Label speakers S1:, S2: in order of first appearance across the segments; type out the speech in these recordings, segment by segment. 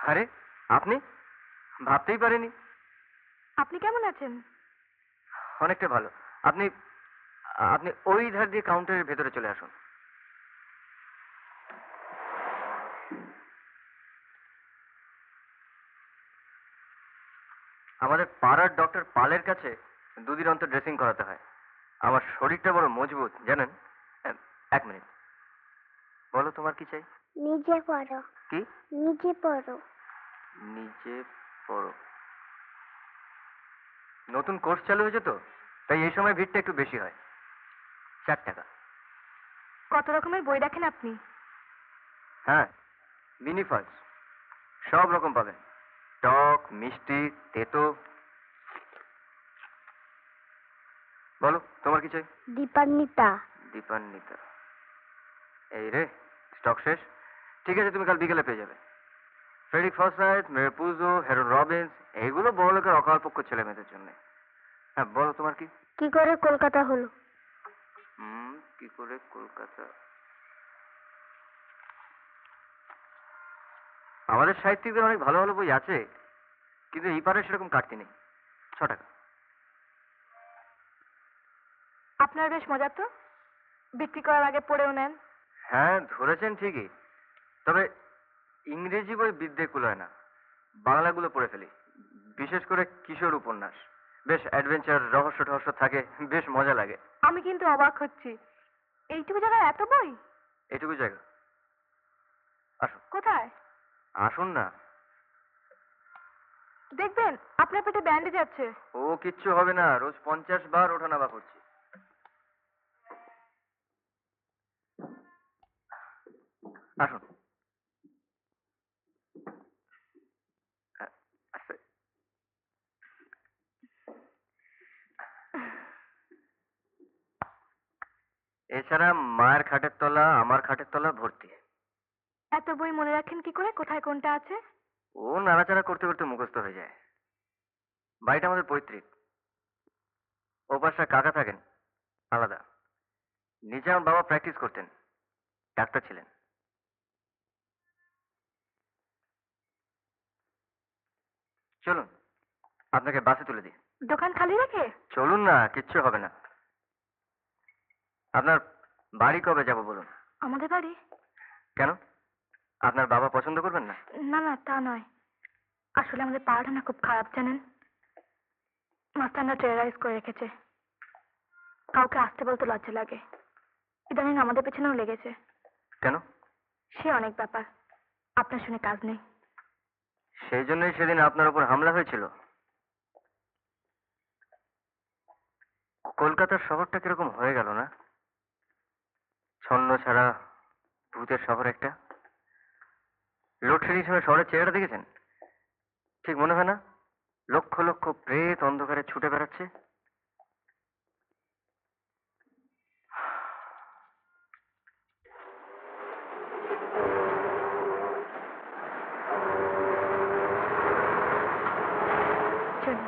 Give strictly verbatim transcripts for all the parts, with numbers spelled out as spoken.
S1: আরে আপনি? ভাবতেই পারিনি।
S2: আপনি কেমন আছেন?
S1: অনেকটা ভালো। আপনি আপনি ওই ধার দিয়ে কাউন্টারের ভেতরে চলে আসুন। আমাদের পাড়ার ডক্টর পালের কাছে দুদিন অন্তর ড্রেসিং করাতে হয়। আমার শরীরটা বড় মজবুত জানেন। এক মিনিট, বলো তোমার কি চাই?
S3: নিজে পড়ো।
S1: কি?
S3: নিজে পড়ো।
S1: নিজে পড়ো। নতুন কোর্স চালু হয়েছে তো, তাই এই সময় ভিড়টা একটু বেশি হয়। চার টাকা।
S2: কত রকমের বই রাখেন আপনি?
S1: হ্যাঁ, মিনি ফালস সব রকম পাবেন। টক, মিষ্টি, তেতো। বলো তোমার কি চাই?
S3: দীপান্বিতা।
S1: দীপান্বিতা। এই রে, স্টক শেষ। ঠিক আছে, তুমি কাল বিকেলে পেয়ে যাবে। ফ্রেডিক ফসাইথ, মেরপুজো, হেরন রবিন্স, এইগুলো বড় লোকের অকালপক্ষ ছেলে মেয়েদের জন্য। হ্যাঁ বলো তোমার কি?
S3: কি করে কলকাতা হলো?
S1: হুম কি করে কলকাতা? আমাদের সাহিত্যিকদের অনেক ভালো ভালো বই আছে, কিন্তু এই পারে সেরকম কাটতি নেই। ছ টাকা।
S2: আপনার বেশ মজা তো, বিক্রি করার আগে পড়েও নেন।
S1: হ্যাঁ ধরেছেন ঠিকই, তবে ইংরেজি বই বিদ্যে কুলায় না। বাংলাগুলো পড়ে ফেলি, বিশেষ করে কিশোর উপন্যাস। বেশ অ্যাডভেঞ্চার, রহস্য টহস্য থাকে, বেশ মজা লাগে।
S2: আমি কিন্তু অবাক হচ্ছি, এইটুকু জায়গায় এত বই।
S1: এটুকু জায়গা। আসুন।
S2: কোথায়?
S1: আসুন না।
S2: দেখবেন আপনার পেটে ব্যান্ডেজ আছে।
S1: ও কিচ্ছু হবে না, রোজ পঞ্চাশ বার ওঠানামা করছি। আসুন। আস্তে। এছাড়া মায়ের খাটের তলা, আমার খাটের তলা ভর্তি।
S2: এত বই মনে রাখেন কি করে, কোথায় কোনটা আছে?
S1: ও নাড়াচাড়া করতে করতে মুখস্থ হয়ে যায়। বাড়িটা আমাদের পৈতৃক। ও পাশে কাকা থাকেন আলাদা। নিচে আমার বাবা প্র্যাকটিস করতেন, ডাক্তার ছিলেন। চলুন আপনাকে বাসে তুলে দিই।
S2: দোকান খালি রেখে?
S1: চলুন না, কিচ্ছু হবে না। আপনার বাড়ি কবে যাব বলুন?
S2: আমাদের বাড়ি?
S1: কেন, আপনার বাবা পছন্দ করবেন না?
S2: না না তা নয়, আসলে আমাদের পাড়াটা না খুব খারাপ জানেন। মাস্টাররা টেরারাইজ করে রেখেছে, কাউকে আসতে বলতে লজ্জা লাগে। ইদানিং আমাদের পেছনেও লেগেছে।
S1: কেন?
S2: সে অনেক ব্যাপার, আপনার শুনে কাজ নেই।
S1: সেই জন্যই সেদিন আপনার উপর হামলা হয়েছিল। কলকাতার শহরটা কিরকম হয়ে গেল না? ছন্ন ছাড়া ভূতের শহর একটা। লোডশেডিং সময় শহরের চেহারা দেখেছেন? ঠিক মনে হয় না লক্ষ লক্ষ প্রেত অন্ধকারে ছুটে বেড়াচ্ছে?
S2: চলুন।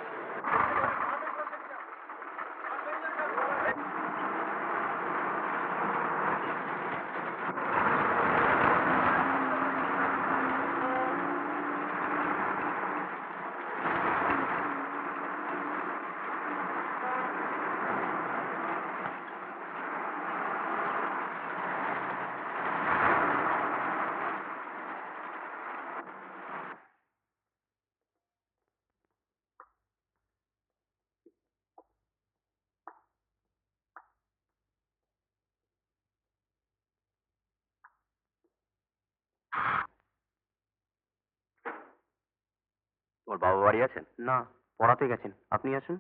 S1: ওর বাবা বাড়ি আছেন? না, পড়াতে গেছেন। আপনি আসুন।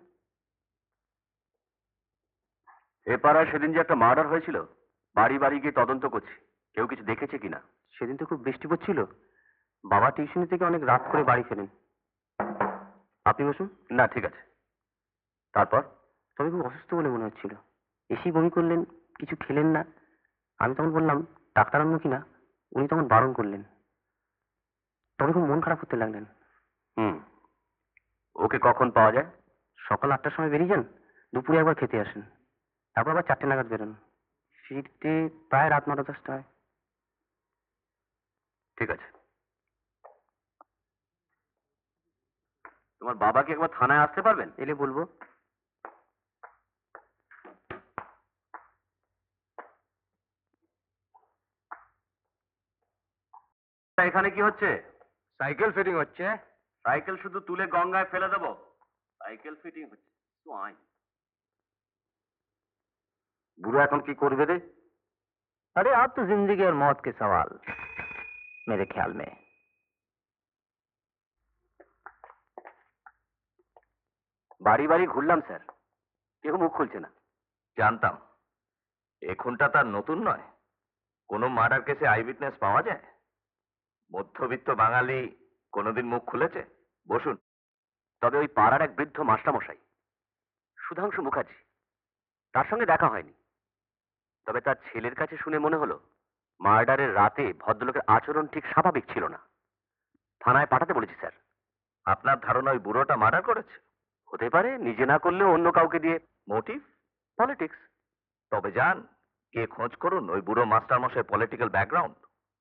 S1: এ পাড়ায় সেদিন যে একটা মার্ডার হয়েছিল, বাড়ি বাড়ি গিয়ে তদন্ত করছি, কেউ কিছু দেখেছে কিনা।
S4: সেদিন তো খুব বৃষ্টি পড়ছিল, বাবা টিউশনি থেকে অনেক রাত করে বাড়ি ফেরেন। আপনি বসুন।
S1: না ঠিক আছে। তারপর?
S4: তবে খুব অসুস্থ বলে মনে হচ্ছিল, এসেই বমি করলেন, কিছু খেলেন না। আমি তখন বললাম ডাক্তার আনবো কিনা, উনি তখন বারণ করলেন। তবে খুব মন খারাপ করতে লাগলেন।
S1: হুম, ওকে কখন পাওয়া যায়?
S4: সকাল আটটার সময় বেরিয়ে যান, দুপুরে একবার খেতে আসেন, তারপর আবার চারটে নাগাদ বেরোন, ফিরতে প্রায় রাত নটা দশটা হয়।
S1: ঠিক আছে। তোমার বাবাকে একবার থানায় আসতে পারবেন?
S4: এলে বলবো।
S1: এখানে কি হচ্ছে? সাইকেল ফিটিং হচ্ছে। সাইকেল শুধু তুলে গঙ্গায় ফেলে দেবো? সাইকেল ফিটিং হচ্ছে তো আইন। বুড়ো এখন কি করবে রে?
S4: अरे आप तो जिंदगी और मौत के सवाल मेरे ख्याल में।
S1: বাড়ি বাড়ি ঘুরলাম স্যার, কেউ মুখ খুলছে না। জানতাম এ খুনটা তার নতুন নয়। কোনো মার্ডার কেসে আই উইটনেস পাওয়া যায়? মধ্যবিত্ত বাঙালি কোনোদিন মুখ খুলেছে? বসুন। তবে ওই পাড়ার এক বৃদ্ধ মাস্টারমশাই সুধাংশু মুখার্জি, তার সঙ্গে দেখা হয়নি। তবে তার ছেলের কাছে শুনে মনে হলো মার্ডারের রাতে ভদ্রলোকের আচরণ ঠিক স্বাভাবিক ছিল না। থানায় পাঠাতে বলেছি স্যার। আপনার ধারণা ওই বুড়োটা মার্ডার করেছে? হতে পারে, নিজে না করলেও অন্য কাউকে দিয়ে। মোটিভ? পলিটিক্স। তবে যান কে খোঁজ করুন ওই বুড়ো মাস্টারমশাই পলিটিক্যাল ব্যাকগ্রাউন্ড।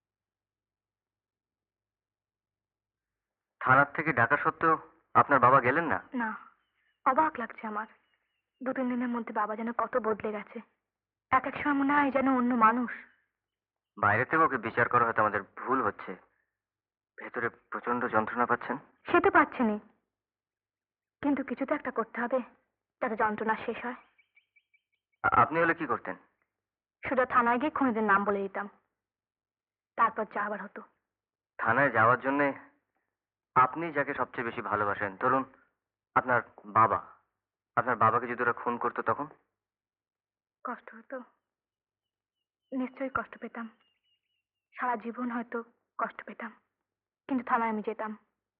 S1: থানার থেকে ডাকা সত্ত্বেও আপনার বাবা গেলেন না?
S2: না, অবাক লাগছে আমার। দু তিন দিনের মধ্যে বাবা যেন কত বদলে গেছে। এক এক সময় মনে হয় যেন অন্য মানুষ।
S1: বাইরে থেকে ওকে বিচার করা হয়তো আমাদের ভুল হচ্ছে। ভেতরে প্রচন্ড যন্ত্রণা পাচ্ছেন?
S2: সে তো পাচ্ছেনি, কিন্তু কিছু তো একটা করতে হবে যাতে যন্ত্রণা শেষ হয়।
S1: আ- আপনি হলে কি করতেন?
S2: শুধু থানায় গিয়ে খুনিদের নাম বলে দিতাম, তারপর যা আবার হতো।
S1: থানায় যাওয়ার জন্য আপনি যাকে সবচেয়ে বেশি ভালোবাসেন, ধরুন আপনার বাবা, আপনার বাবাকে যদি ওরা খুন করতো তখন?
S2: কষ্ট হতো, নিশ্চয়ই কষ্ট পেতাম। সারা জীবন হয়তো কষ্ট পেতাম, কিন্তু থানায় আমি যেতাম।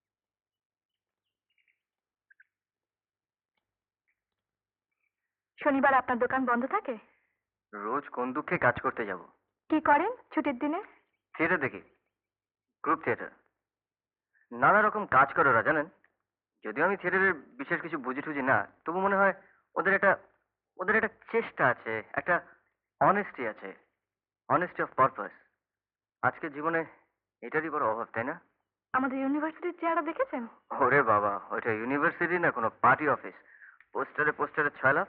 S2: শনিবার আপনার দোকান বন্ধ থাকে?
S1: রোজ কোন দুঃখে কাজ করতে যাব।
S2: কি করেন ছুটির দিনে?
S1: থিয়েটার দেখি, গ্রুপ থিয়েটার। নানা রকম কাজ করে ওরা, জানেন। যদিও আমি থিয়েটারের বিশেষ কিছু বুঝি টুঝি না, তবু মনে হয় ওদের একটা ওদের একটা চেষ্টা আছে, একটা অনেস্টি আছে, অনেস্টি অফ পারপাস। আজকের জীবনে এটারই বড় অভাব, তাই না?
S2: আমাদের ইউনিভার্সিটির চেহারা দেখেছেন?
S1: ওরে বাবা, ওইটা ইউনিভার্সিটি না কোনো পার্টি অফিস। পোস্টারে পোস্টারে ছয়লাভ।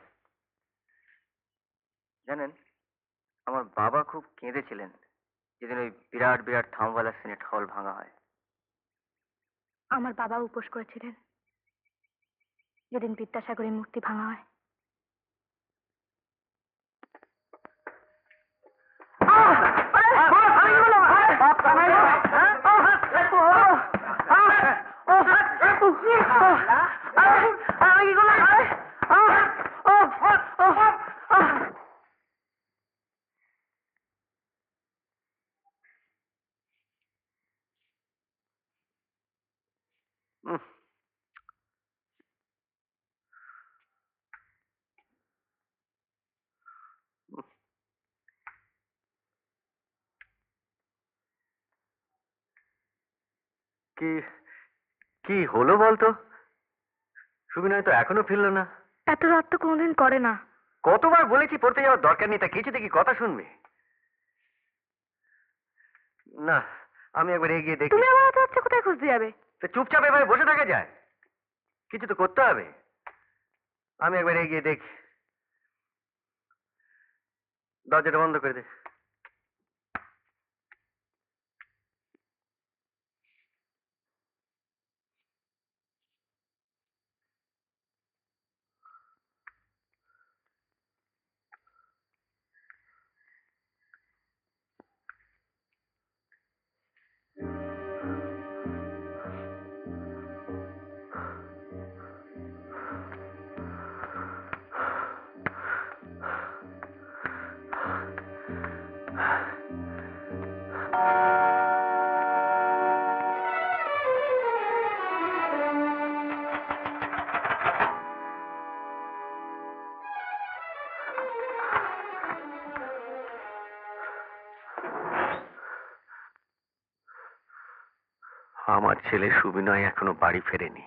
S1: জানেন, আমার বাবা খুব কেঁদেছিলেন যেদিন ওই বিরাট বিরাট থামওয়ালা সিনেট হল ভাঙা হয়।
S2: আমার বাবা উপোস করেছিলেন যেদিন বিদ্যাসাগরের মূর্তি ভাঙা হয়।
S1: উম, উম। কি কি হলো বলতো? সুবিনয় তো এখনো ফিরলো না।
S2: এত রাত তো কোনোদিন করে না।
S1: কতবার বলেছি পড়তে যাওয়ার দরকার নেই, তা কিছুতে কি কথা শুনবে না। আমি একবার এগিয়ে দেখি।
S2: তুমি আবার এত রাত্রে কোথায় খুঁজতে যাবে?
S1: তো চুপচাপ এভাবে বসে থাকা যায়? কিছু তো করতে হবে। আমি একবার এগিয়ে দেখি। দরজাটা বন্ধ করে দে। আমার ছেলে সুবিনয় এখনো বাড়ি ফেরেনি।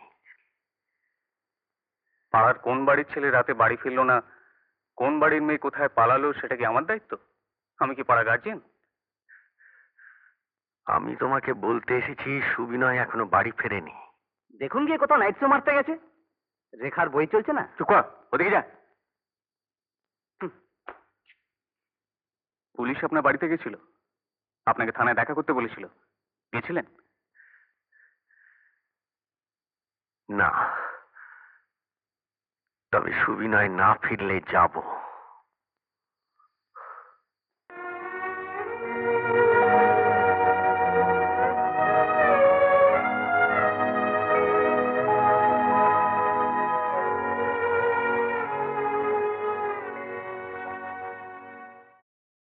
S5: পাড়ার কোন বাড়ির ছেলে রাতে বাড়ি ফিরলো না, কোন বাড়ির মেয়ে কোথায় পালালো, সেটা কি আমার দায়িত্ব? আমি কি পাড়া গার্জিয়ান?
S1: আমি তোমাকে বলতে এসেছি সুবিনয় এখনো বাড়ি ফেরেনি।
S4: দেখুন গিয়ে কোথাও নাইট শো মারতে গেছে। রেখার বই চলছে না।
S5: চুপ কর, ওদিকে যা। হুম। পুলিশ আপনার বাড়িতে গেছিল, আপনাকে থানায় দেখা করতে বলেছিল, গেছিলেন?
S6: না, তবে সুবিনয় না ফিরলে যাব।